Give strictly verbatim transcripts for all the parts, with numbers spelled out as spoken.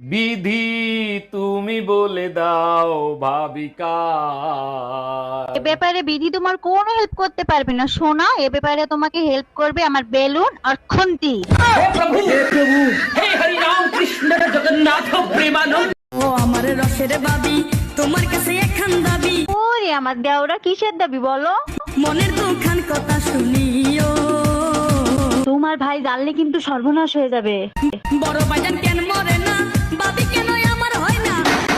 বিধি তুমি বলে দাও ভাবিকা। এ ব্যাপারে বিধি তোমার কোনো হেল্প করতে পারবে না সোনা। এ ব্যাপারে তোমাকে হেল্প করবে আমার বেলুন আর খুন্তি। ও আমার রসের বাবি তোমার কাছে একখান দাবি। ওরে আমার দেওরা কিসের দাবি বলো? মনের দুখান কথা শুনিও। তোমার ভাই জানলে কিন্তু সর্বনাশ হয়ে যাবে। বড় বাজান কেন মরে না, বাবি কেন আমার হয় না।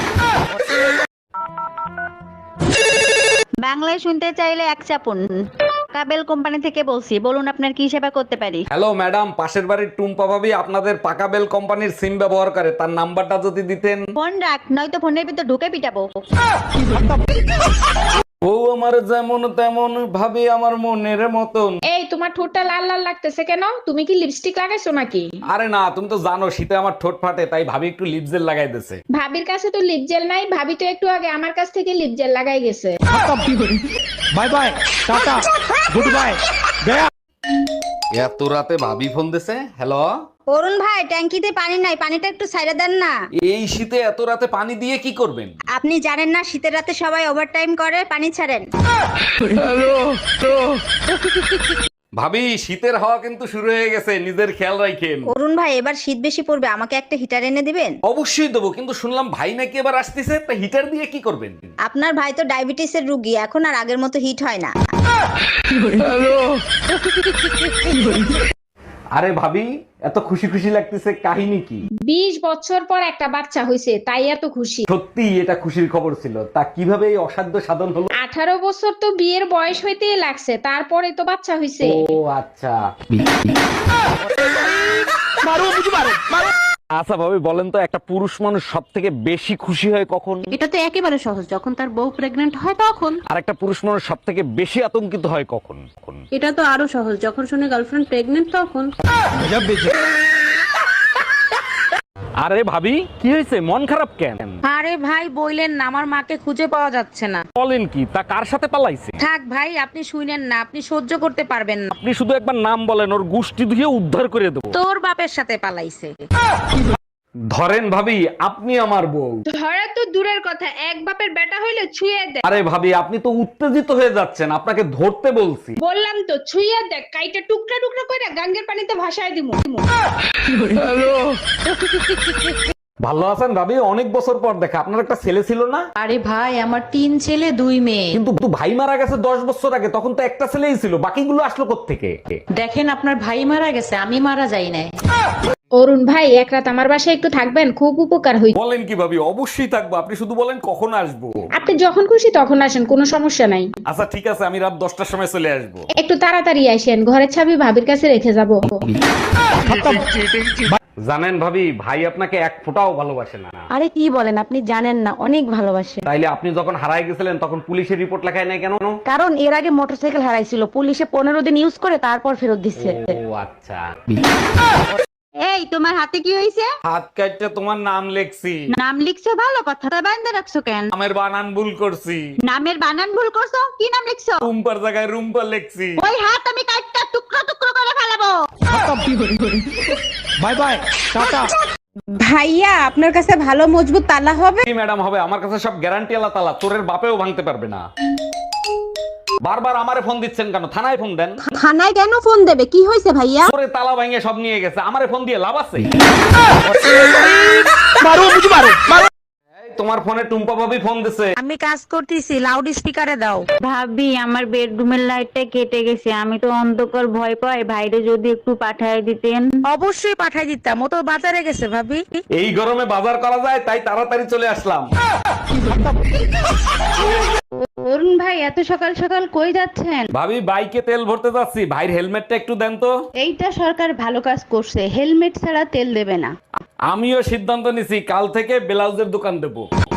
বাংলায় শুনতে চাইলে এক চাপুন। কাবেল কোম্পানি থেকে বলছি, বলুন আপনার কি সেবা করতে পারি? হ্যালো ম্যাডাম, পাশের বাড়ির টুম্পা ভাবি আপনাদের পাকাবেল কোম্পানির সিম ব্যবহার করে, তার নাম্বারটা যদি দিতেন। ফোন রাখ, নয়তো ফোনের ভিতর ঢুকে পিটাবো। ও আমার যেমন তেমন ভাবে আমার মনের মতন। এই তোমার ঠোঁটটা লাল লাল লাগতেছে কেন? তুমি কি লিপস্টিক লাগাইছো নাকি? আরে না, তুমি তো জানো শীতে আমার ঠোঁট ফাটে, তাই ভাবি একটু লিপ জেল লাগাই দিয়েছে। ভাবির কাছে তো লিপ জেল নাই, ভাবি তো একটু আগে আমার কাছ থেকে লিপ জেল লাগাই গেছে। Bye bye, tata, good bye. এত রাতে ভাবি ফোন দিছে। হ্যালো অরুণ ভাই, ট্যাঙ্কিতে পানি নাই, পানিটা একটু ছাইড়া দেন না। এই শীতে এত রাতে পানি দিয়ে কি করবেন? আপনি জানেন না শীতের রাতে সবাই ওভারটাইম করে, পানি ছাড়েন। ভাবি শীতের হাওয়া কিন্তু শুরু হয়ে গেছে, নিজের খেয়াল রাখেন। অরুণ ভাই, এবার শীত বেশি পড়বে, আমাকে একটা হিটার এনে দিবেন? অবশ্যই দেবো, কিন্তু শুনলাম ভাই নাকি এবার আসতেছে, তা হিটার দিয়ে কি করবেন? আপনার ভাই তো ডায়াবেটিসের রোগী, এখন আর আগের মতো হিট হয় না। আরে ভাবি, এত খুশি খুশি লাগতেছে, কাহিনী কি? বিশ বছর পর একটা বাচ্চা হয়েছে, তাই এত খুশি। সত্যি এটা খুশির খবর ছিল। তা কিভাবে এই অসাধ্য সাধন হলো? আঠারো বছর তো বিয়ের বয়স হইতেই লাগছে, তারপরে তো বাচ্চা হয়েছে। ও আচ্ছা। আচ্ছা ভাবি বলেন তো, একটা পুরুষ মানুষ সব থেকে বেশি খুশি হয় কখন? এটা তো একেবারে সহজ, যখন তার বউ প্রেগনেন্ট হয় তখন। আর একটা পুরুষ মানুষ সব থেকে বেশি আতঙ্কিত হয় কখন? কখন? এটা তো আরো সহজ, যখন শুনে গার্লফ্রেন্ড প্রেগনেন্ট তখন। আরে ভাবি কি হয়েছে, মন খারাপ কেন? আরে ভাই বইলেন না, আমার মাকে খুঁজে পাওয়া যাচ্ছে না। বলেন কি, তা কার সাথে পালাইছে? থাক ভাই, আপনি শুনেন না, আপনি সহ্য করতে পারবেন না। আপনি শুধু একবার নাম বলেন, ওর গোষ্ঠী ধুয়ে উদ্ধার করে দেবো। তোর বাপের সাথে পালাইছে। ধরেন ভাবি, আপনি আমার বউ। ধরা তো দূরের কথা, এক বাপের বেটা হইলে ছুঁয়ে দেখ। আরে ভাবি, আপনি তো উত্তেজিত হয়ে যাচ্ছেন, আপনাকে ধরতে বলছি। বললাম তো ছুঁয়ে দেখ, কাইটা টুকরা টুকরা করে গাঙ্গের পানিতে ভাসায় দিমু। ভালো আছেন ভাবি? অনেক বছর পর দেখা। আপনার একটা ছেলে ছিল না? আরে ভাই, আমার তিন ছেলে দুই মেয়ে। কিন্তু ভাই মারা গেছে দশ বছর আগে, তখন তো একটা ছেলেই ছিল, বাকিগুলো আসলো কোত্থেকে? দেখেন, আপনার ভাই মারা গেছে, আমি মারা যাই নাই। অরুণ ভাই, এক রাত আমার বাসায় একটু থাকবেন, খুব উপকার হইবে। বলেন কি ভাবি, অবশ্যই থাকবো, আপনি শুধু বলেন কখন আসবো। আপনি যখন খুশি তখন আসেন, কোনো সমস্যা নাই। আচ্ছা ঠিক আছে, আমি রাত দশটার সময় চলে আসবো। একটু তাড়াতাড়ি আসেন, ঘরের চাবি ভাবির কাছে রেখে যাব। জানেন ভাবি, ভাই আপনাকে এক ফোঁটাও ভালোবাসে না। আরে কি বলেন, আপনি জানেন না, অনেক ভালোবাসে। তাইলে আপনি যখন হারায় গেছিলেন তখন পুলিশের রিপোর্ট লেখায় নাই কেন? কারণ এর আগে মোটরসাইকেল হারাইছিল, পুলিশে পনেরো দিন ইউজ করে তারপর ফেরত দিচ্ছে। ও আচ্ছা। এই তোমার হাতে কি হয়েছে? হাত কাটতে তোমার নাম লেখছি। নাম লিখছো ভালো কথা, তা বান্ধা রাখছো কেন? নামের বানান ভুল করছি। নামের বানান ভুল করছো? কি নাম লিখছো? রুম্পার জায়গায় রুম্পা লেখছি। ওই হাত আমি কাটটা টুকরো টুকরো করে ফেলাবো। By bye, tata. ভাইয়া, আপনার কাছে ভালো মজবুত তালা হবে? কি ম্যাডাম হবে, আমার কাছে সব গ্যারান্টি আলা তালা, তোরের বাপেও ভাঙতে পারবে না। বারবার আমারে ফোন দিচ্ছেন কেন? থানায় ফোন দেন। থানায় কেন ফোন দেবে? কি হয়েছে ভাইয়া? তোরে তালা ভাঙে সব নিয়ে গেছে, আমারে ফোন দিয়ে লাভ আছে? এই, তোমার ফোনে টুম্পা ভাবি ফোন দিছে। আমি কাজ করতেছি, লাউড স্পিকারে দাও। ভাবি, আমার বেডরুমের লাইটটা কেটে গেছে, আমি তো অন্ধকার ভয় পাই, ভাইরে যদি একটু পাঠায় দিতেন। অবশ্যই পাঠাই দিতাম, ও তো বাজারে গেছে ভাবি। এই গরমে বাজার করা যায়, তাই তাড়াতাড়ি চলে আসলাম। অরুণ ভাই, এত সকাল সকাল কই যাচ্ছেন? ভাবি বাইকে তেল ভরতে যাচ্ছি, ভাইয়ের হেলমেটটা একটু দেন তো। এইটা সরকার ভালো কাজ করছে, হেলমেট ছাড়া তেল দেবে না। আমিও সিদ্ধান্ত নিছি, কাল থেকে ব্লাউজের দোকান দেবো।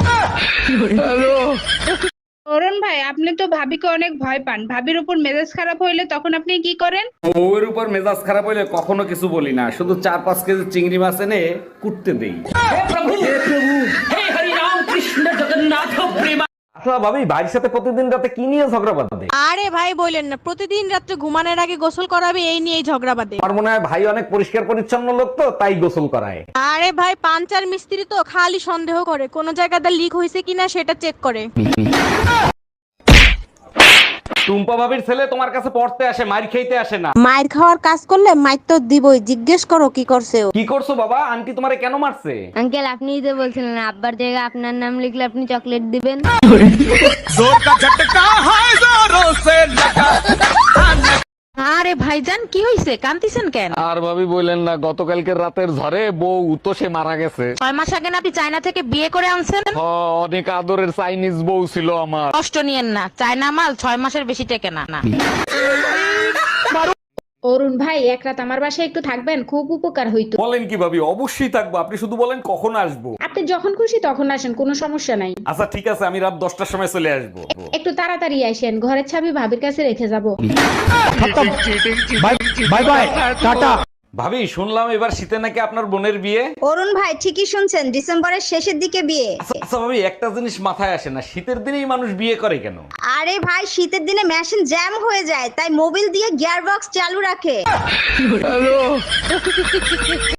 অরুণ ভাই, আপনি তো ভাবিকে অনেক ভয় পান, ভাবির উপর মেজাজ খারাপ হইলে তখন আপনি কি করেন? বউয়ের উপর মেজাজ খারাপ হইলে কখনো কিছু বলি না, শুধু চার পাঁচ কেজি চিংড়ি মাছ এনে কুটতে দেই। আচ্ছা ভাবি, ভাইয়ের সাথে প্রতিদিন রাতে কি নিয়ে ঝগড়া বাঁধে? আরে ভাই বলেন না, প্রতিদিন রাত্রে ঘুমানোর আগে গোসল করাবে এই নিয়েই ঝগড়া বাঁধে। আমার মনে হয় ভাই অনেক পরিষ্কার পরিচ্ছন্ন লোক, তো তাই গোসল করায়। আরে ভাই পাঞ্চার মিস্ত্রি তো খালি সন্দেহ করে কোন জায়গাটা লিক হয়েছে কিনা সেটা চেক করে। টুম্পা ভাবির ছেলে তোমার কাছে পড়তে আসে, মার খেইতে আসে না। মায়ের খাওয়ার কাজ করলে মাইর তো দিবই, জিজ্ঞেস করো কি করছে ও। কি করছো বাবা? আন্টি তোমারে কেন মারছে? আঙ্কেল আপনিই তো বলছিলেন আব্বার জায়গায় আপনার নাম লিখলে আপনি চকলেট দিবেন। আরে ভাইজান কি হইছে, কান্দিছেন কেন? আর ভাবি বললেন না, গতকালকের রাতের ঝড়ে বউ তো সে মারা গেছে। ছয় মাস আগে না আপনি চায়না থেকে বিয়ে করে আনছেন? হ, অনেক আদরের চাইনিজ বউ ছিল আমার। কষ্ট নিয়েন না, চায়না মাল ছয় মাসের বেশি টেকে না না। অরুণ ভাই, এক রাত আমার বাসায় একটু থাকবেন, খুব উপকার হইতো। বলেন কি ভাবি, অবশ্যই থাকবো। আপনি শুধু বলেন কখন আসবো। আপনি যখন খুশি তখন আসেন, কোনো সমস্যা নাই। আচ্ছা ঠিক আছে, আমি রাত দশটার সময় চলে আসবো। একটু তাড়াতাড়ি আসেন, ঘরের চাবি ভাবির কাছে রেখে যাব। Bye bye, tata. ভাবি শুনলাম এবার শীতে নাকি আপনার বোনের বিয়ে। অরুণ ভাই ঠিকই শুনছেন, ডিসেম্বরের শেষের দিকে বিয়ে। আচ্ছা আচ্ছা ভাবি, একটা জিনিস মাথায় আসে না, শীতের দিনেই মানুষ বিয়ে করে কেন? আরে ভাই, শীতের দিনে মেশিন জ্যাম হয়ে যায়, তাই মোবিল দিয়ে গিয়ার বক্স চালু রাখে।